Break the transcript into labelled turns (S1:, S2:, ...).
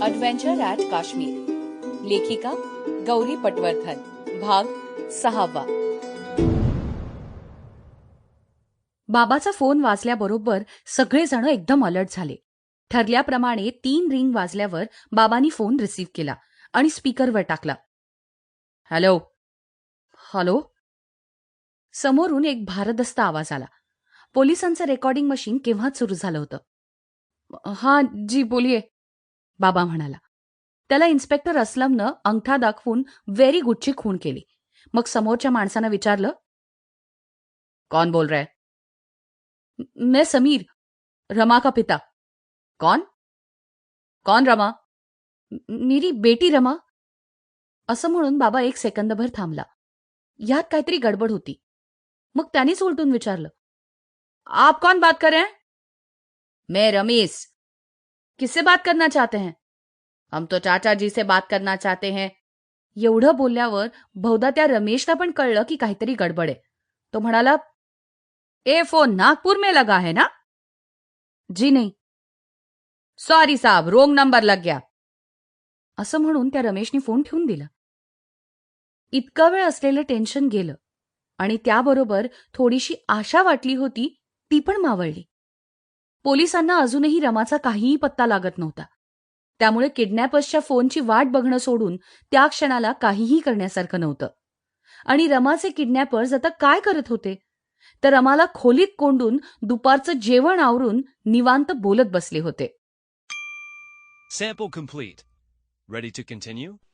S1: अडव्हेंचर at Kashmir. लेखिका गौरी पटवर्धन. भाग 6. बाबाचा phone वाजल्याबरोबर सगळेजण एकदम अलर्ट झाले. ठरल्याप्रमाणे 3 रिंग वाजल्यावर बाबांनी फोन रिसीव्ह केला आणि स्पीकरवर टाकला. हॅलो. हॅलो. समोरून एक भारदस्त आवाज आला. पोलिसांचं रेकॉर्डिंग मशीन केव्हाच सुरू झालं होतं. हां जी बोलिये, बाबा म्हणाला. त्याला इन्स्पेक्टर असलमनं अंगठा दाखवून व्हेरी गुडची खूण केली. मग समोरच्या माणसानं विचारलं, कौन बोल रहा है? मैं समीर, रमा का पिता. कौन? कौन रमा? मेरी बेटी रमा. असं म्हणून बाबा एक सेकंदभर थांबला. यात काहीतरी गडबड होती. मग त्यानेच उलटून विचारलं, आप कौन बात कर रहे हैं? मैं रमेश. किससे बात करना चाहते हैं? हम तो चाचा जी से बात करना चाहते हैं. एवढं बोलल्यावर बहुधा त्या रमेशला पण कळलं की काहीतरी गडबड आहे. तो म्हणाला, ए फोन नागपूर में लगा है ना? जी नहीं. सॉरी साहब, रोंग नंबर लग गया. असं म्हणून त्या रमेशने फोन ठेवून दिला. इतका वेळ असलेलं टेन्शन गेलं आणि त्याबरोबर थोडीशी आशा वाटली होती ती पण मावळली. पोलिसांना अजूनही रमाचा काहीही पत्ता लागत नव्हता. त्यामुळे किडनॅपर्सच्या फोनची वाट बघणं सोडून त्या क्षणाला काहीही करण्यासारखं नव्हतं. आणि रमाचे किडनॅपर्स आता काय करत होते? तर रमाला खोलीत कोंडून दुपारचं जेवण आवरून निवांत बोलत बसले होते.
S2: Sample complete. Ready to continue?